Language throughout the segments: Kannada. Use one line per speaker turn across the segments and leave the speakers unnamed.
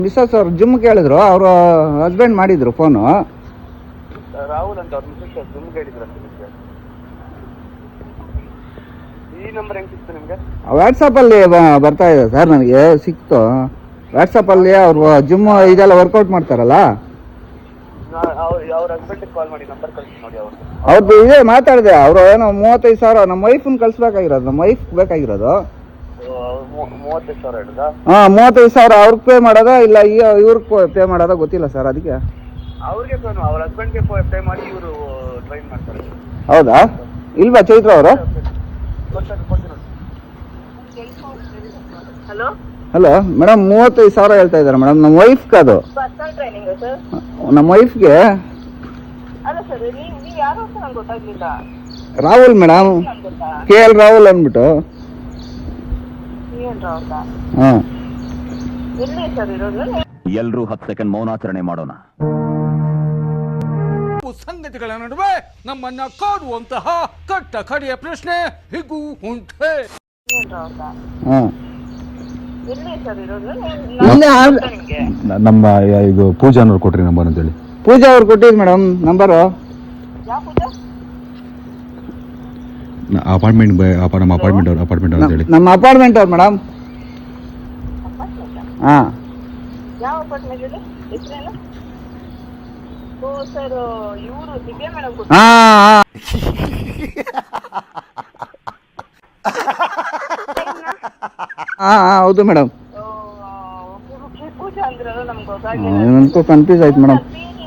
ಮಿಸ್ಸಸ್ ಅವ್ರು ಜಿಮ್ ಕೇಳಿದ್ರು, ಅವರು ಹಸ್ಬೆಂಡ್ ಮಾಡಿದ್ರು ಫೋನು.
ರಾಹುಲ್ ಅಂತ ಅವ್ರ ಮಿಸ್ಸಸ್ ಜಿಮ್ ಹೇಳಿದ್ರು ಅಂತ ನಿಮಗೆ. ಈ ನಂಬರ್ ಹೆಂಗೆ ಸಿಕ್ತು ನಿಮಗೆ?
ವಾಟ್ಸಪ್ಪಲ್ಲಿ ಬರ್ತಾ ಇದೆ ಸರ್, ನನಗೆ ಸಿಕ್ತು ವಾಟ್ಸಪ್ಪಲ್ಲಿ. ಅವರು ಜಿಮ್ ಇದೆಲ್ಲ ವರ್ಕೌಟ್ ಮಾಡ್ತಾರಲ್ಲ,
ಅವ್ರ ಹಸ್ಬೆಂಡಿಗೆ ಕಾಲ್ ಮಾಡಿ ನಂಬರ್ ಕಳಿಸಿ ನೋಡಿ.
ಅವ್ರದ್ದು ಇದೆ ಮಾತಾಡಿದೆ. ಅವರು ಏನೋ 35,000 ನಮ್ಮ ವೈಫನ್ ಕಳಿಸ್ಬೇಕಾಗಿರೋದು, ನಮ್ಮ ವೈಫ್ ಬೇಕಾಗಿರೋದು.
35,000 ಹೇಳಿದ?
35,000 ಅವ್ರಿಗೆ ಪೇ ಮಾಡೋದಾ ಇಲ್ಲ ಇವ್ರಿಗೆ ಪೇ ಮಾಡೋದಾ ಗೊತ್ತಿಲ್ಲ ಸರ್. ಅದಕ್ಕೆ
ಅವ್ರಿಗೆ ಅವ್ರ ಹಸ್ಬೆಂಡ್ಗೆ ಪೇ ಮಾಡಿ ಇವರು ಟ್ರೈನ್ ಮಾಡ್ತಾರೆ.
ಹೌದಾ? ಇಲ್ವಾ ಚೈತ್ರ ಅವರು?
ಹಲೋ
ಹಲೋ ಮೇಡಮ್, 35,000 ಹೇಳ್ತಾ ಇದ್ದಾರೆ ಮೇಡಮ್. ನಮ್ಮ ವೈಫ್ಗೆ ಅದು, ನಮ್ಮ ವೈಫ್ಗೆ. ರಾಹುಲ್ ಮೇಡಮ್, KL ರಾಹುಲ್ ಅಂದ್ಬಿಟ್ಟು. ಹಾಂ,
ಎಲ್ರೂ 10 ಸೆಕೆಂಡ್ ಮೌನಾಚರಣೆ ಮಾಡೋಣ.
ಸಂಗತಿಗಳ ನಡುವೆ ನಮ್ಮನ್ನ ಕಾಡುವಂತಹ ಕಟ್ಟ ಕಡೆಯ ಪ್ರಶ್ನೆ ಹೀಗೂ ಉಂಟೆ.
ಹಾಂ,
ನಮ್ಮ ಇದು ಪೂಜಾ ಅನ್ನೋರು ಕೊಟ್ರಿ ನಂಬರ್ ಅಂತೇಳಿ.
ಪೂಜಾ ಅವ್ರು ಕೊಟ್ಟಿದ್ದು ಮೇಡಮ್ ನಂಬರು.
ಅಪಾರ್ಟ್ಮೆಂಟ್ ನಮ್ಮ ಅಪಾರ್ಟ್ಮೆಂಟ್ ಅಂತೇಳಿ.
ನಮ್ಮ ಅಪಾರ್ಟ್ಮೆಂಟ್ ಅವ್ರು ಮೇಡಮ್. ಹಾಂ,
ಯಾವ ಅಪಾರ್ಟ್ಮೆಂಟ್ ಇದೆ? ಹೆಸರೇನು? ಓ ಸರ್, ಇವರು ದಿವ್ಯಾ ಮೇಡಮ್.
ಹಾಂ ಹಾಂ ಹೌದು ಮೇಡಮ್.
ಪೂಜಾ ಅಂದ್ರಲ್ಲ, ನಮ್ಗೆ ಗೊತ್ತಾಗಿಲ್ಲ.
ನನಗೂ ಕನ್ಫ್ಯೂಸ್ ಆಯ್ತು ಮೇಡಮ್.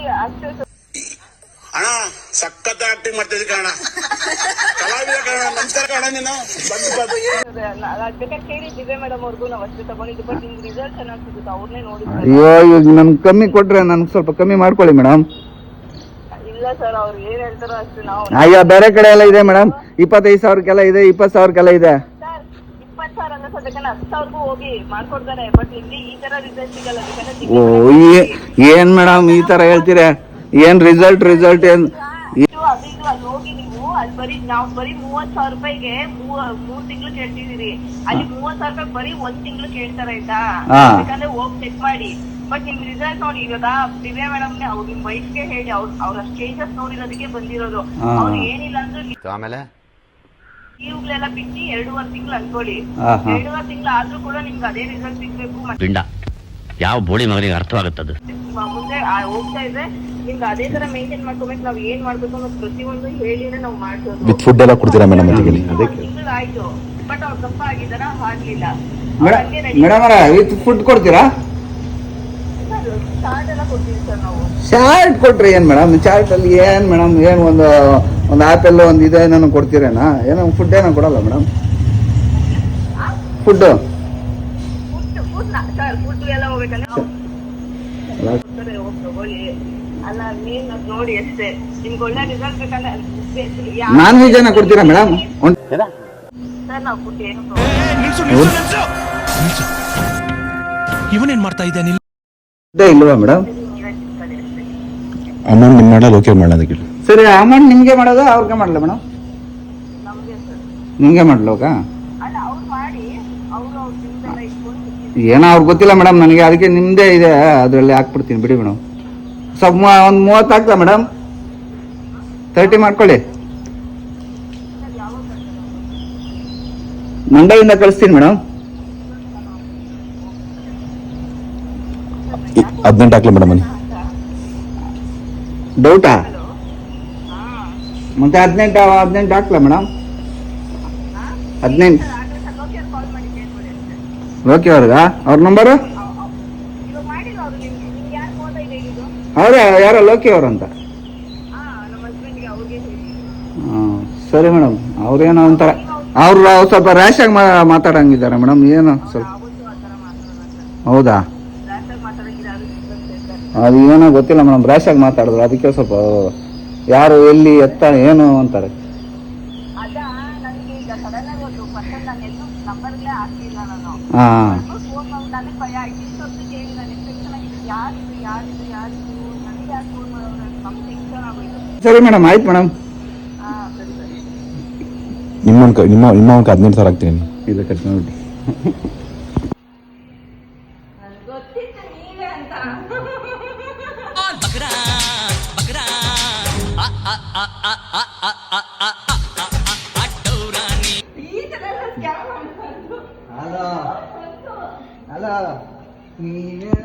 ಅಣ್ಣ ಸಖತ್ ಆಕ್ಟಿಂಗ್ ಮಾಡ್ತಿದ್ದೆ ಕಣ, ಕಲಾವಿದ ಕಣ, ನಮಸ್ಕಾರ ಕಣ ನೀನು.
ಬೇಕಾದ್ರೆ ಕೇಳಿ ದಿವ್ಯಾ ಮೇಡಮ್ ಅವ್ರಿಗೂ ನಾವು ಅಷ್ಟೇ ತಗೊಂಡಿದ್ದು, ಬಟ್ ನಿಮ್ಗೆ ರಿಸಲ್ಟ್ ಚೆನ್ನಾಗಿ ಸಿಗುತ್ತೆ, ಅವ್ರನ್ನೇ ನೋಡಿದ್ರೆ.
ಅಯ್ಯೋ, ಈಗ ನನ್ಗೆ ಕಮ್ಮಿ ಕೊಟ್ರೆ ನನ್ಗೆ ಸ್ವಲ್ಪ ಕಮ್ಮಿ ಮಾಡ್ಕೊಳ್ಳಿ ಮೇಡಮ್.
ಇಲ್ಲ ಸರ್, ಅವ್ರು ಏನ್ ಹೇಳ್ತಾರೋ ಅಷ್ಟೇ. ನಾವು
ಅಯ್ಯೋ, ಬೇರೆ ಕಡೆ ಎಲ್ಲ ಇದೆ ಮೇಡಮ್, 25,000ಕ್ಕೆಲ್ಲ ಇದೆ, 20,000ಕ್ಕೆಲ್ಲ ಇದೆ.
ಸರ್ 20,000 ಅಲ್ಲ ಸರ್, ಬೇಕಾದ್ರೆ 10,000ಗೂ ಹೋಗಿ ಮಾಡ್ಕೊಡ್ತಾರೆ, ಬಟ್ ಇಲ್ಲಿ ಈ ತರ ರಿಸಲ್ಟ್ ಸಿಗಲ್ಲ.
ಓ, ಏನ್ ಮೇಡಮ್ ಈ ತರ ಹೇಳ್ತೀರಾ? ಏನ್ ರಿಸಲ್ಟ್ ಏನ್
ಅಲ್ಲಿ ಹೋಗಿ ನೀವು ಅಲ್ಲಿ ಬರೀ ನಾವು ಬರೀ 30,000 ರೂಪಾಯಿಗೆ 3 ತಿಂಗಳು ಕೇಳ್ತಿದೀರಿ. ಅಲ್ಲಿ 30,000 ರೂಪಾಯಿ ಬರೀ 1 ತಿಂಗಳು ಕೇಳ್ತಾರ, ಆಯ್ತಾ? ಯಾಕಂದ್ರೆ ಹೋಗಿ ಚೆಕ್ ಮಾಡಿ. ಬಟ್ ನಿಮ್ ರಿಸಲ್ಟ್ ನೋಡಿ, ಇವಾಗ ದಿವ್ಯಾ ಮೇಡಮ್ ಅವ್ರು ನಿಮ್ ವೈಫ್ಗೆ ಹೇಳಿ, ಅವ್ರ ಚೇಂಜಸ್ ನೋಡಿರೋದಕ್ಕೆ ಬಂದಿರೋದು. ಅವ್ರು ಏನಿಲ್ಲ ಅಂದ್ರೆ
ಆಮೇಲೆ
ಇವುಗಳೆಲ್ಲ ಬಿಟ್ಟು 2.5 ತಿಂಗಳು ಅನ್ಕೊಳ್ಳಿ. 2.5 ತಿಂಗಳು ಆದ್ರೂ ಕೂಡ ನಿಮ್ಗೆ ಅದೇ ರಿಸಲ್ಟ್ ಸಿಗ್ಬೇಕು.
ಪಿಂಡ ಯಾವ ಬೋಳಿ ಮಗನಿಗೆ ಅರ್ಥವಾಗುತ್ತದೆ.
ಮುಂದೆ ಹೋಗ್ತಾ ಇದ್ರೆ ನಿಮ್ಗೆ ಅದೇ ತರ ಮೇಂಟೈನ್ ಮಾಡ್ಕೋಬೇಕು. ನಾವ್ ಏನ್ ಮಾಡ್ಬೇಕು ಅನ್ನೋ ಪ್ರತಿಯೊಂದು ಹೇಳಿದ್ರೆ ನಾವು ಮಾಡ್ಬೋದು.
ವಿತ್ ಫುಡ್ ಎಲ್ಲ ಕೊಡ್ತೀರಾ ಮೇಡಮ್?
ತಿಂಗಳು ಆಯ್ತು, ಬಟ್ ಅವ್ರು ದಪ್ಪ ಆಗಿದಾರ ಆಗ್ಲಿಲ್ಲ.
ಮೇಡಮ್ ವಿತ್ ಫುಡ್ ಕೊಡ್ತೀರಾ?
ಚಾರ್ಟ್ ಎಲ್ಲ ಕೊಡ್ತೀವಿ ಸರ್ ನಾವು.
ಚಾರ್ಟ್ ಕೊಟ್ರಿ ಏನ್ ಮೇಡಮ್? ಚಾರ್ಟ್ ಅಲ್ಲಿ ಏನ್ ಮೇಡಮ್, ಏನ್ ಒಂದು ಆಪಲ್ ಒಂದು ಇದೇನೋ ಕೊಡ್ತೀರೇನಾ? ಏನೋ ಫುಡ್ ಏನೋ ಕೊಡಲ್ಲ ಮೇಡಮ್? ಫುಡ್
ಸರ್ ಫುಡ್ ಎಲ್ಲ ಹೋಗ್ಬೇಕಂದ್ರೆ ಹೋಗಿ ತಗೊಳ್ಳಿ. ಅಲ್ಲ, ನೀನ್ ನೋಡಿ ಅಷ್ಟೇ. ನಿಮ್ಗೆ ಒಳ್ಳೆ ರಿಸಲ್ಟ್ ಬೇಕಂದ್ರೆ
ನಾನ್ ವೆಜ್ ಏನೋ ಕೊಡ್ತೀರಾ ಮೇಡಮ್?
ಸರ್ ನಾವು ಫುಡ್ ಏನು
ಇವನೇನ್ ಮಾಡ್ತಾ ಇದ್ದಾನೆ
ಇಲ್ವಾ ಮೇಡಮ್?
ಅಮೌಂಟ್ ನಿಮ್ಮ ಮಾಡಲ್ಲ, ಓಕೆ ಮಾಡೋಣ ಅದಕ್ಕೆ.
ಸರಿ, ಅಮೌಂಟ್ ನಿಮ್ಗೆ ಮಾಡೋದ ಅವ್ರಿಗೆ ಮಾಡಲ್ಲ ಮೇಡಮ್?
ನಮ್ಗೆ ಸರ್.
ನಿಮ್ಗೆ ಮಾಡ್ಲೋಕ?
ಅಲ್ಲ, ಅವ್ರು ಮಾಡಿ ಅವರು ಅವ್ರ ತಿಂದೆಲ್ಲ ಇಟ್ಕೊಂಡು
ಏನೋ ಅವ್ರಿಗೆ ಗೊತ್ತಿಲ್ಲ ಮೇಡಮ್ ನನಗೆ, ಅದಕ್ಕೆ ನಿಮ್ದೇ ಇದೆ ಅದರಲ್ಲಿ ಹಾಕ್ಬಿಡ್ತೀನಿ ಬಿಡಿ ಮೇಡಮ್. ಸ್ವಲ್ಪ ಒಂದು 30 ಹಾಕ್ಲಾ ಮೇಡಮ್? 30 ಮಾಡ್ಕೊಳ್ಳಿ. ಮಂಡ್ಯದಿಂದ ಕಳಿಸ್ತೀನಿ ಮೇಡಮ್.
18 ಹಾಕ್ಲಾ ಮೇಡಮ್?
ಡೌಟಾ? ಮತ್ತೆ 18 ಹಾಕ್ಲಾ ಮೇಡಮ್? 18 ಓಕೆ. ಅವ್ರಿಗ ಅವ್ರ ನಂಬರು ಅವರೇ ಯಾರೋ ಲೋಕಿ ಅವರು ಅಂತ. ಹಾಂ, ಸರಿ ಮೇಡಮ್. ಅವ್ರೇನೋ ಒಂಥರ ಅವ್ರು ಸ್ವಲ್ಪ ರ್ಯಾಶ್ ಆಗಿ ಮಾತಾಡಂಗಿದ್ದಾರೆ ಮೇಡಮ್. ಏನು ಸ್ವಲ್ಪ ಹೌದಾ? ಅದು ಏನೋ ಗೊತ್ತಿಲ್ಲ ಮೇಡಮ್, ರ್ಯಾಶ್ ಆಗಿ ಮಾತಾಡಿದ್ರು, ಅದಕ್ಕೆ ಸ್ವಲ್ಪ ಯಾರು ಎಲ್ಲಿ ಎತ್ತ ಏನು ಅಂತಾರೆ. ಹಾಂ, ಸರಿ ಮೇಡಮ್, ಆಯ್ತು ಮೇಡಮ್.
ನಿಮ್ಮ 18,000 ಹಾಕ್ತೀನಿ.
ಇದು ಕಟ್ ಮಾಡ್ಬಿಟ್ಟು
ಅಂತ. ಈ ತರ ಎಲ್ಲ ಸ್ಕ್ಯಾಮ್ ಮಾಡ್ಬಾರ್ದು.
ಹಲೋ ಹಲೋ ನೀವೇ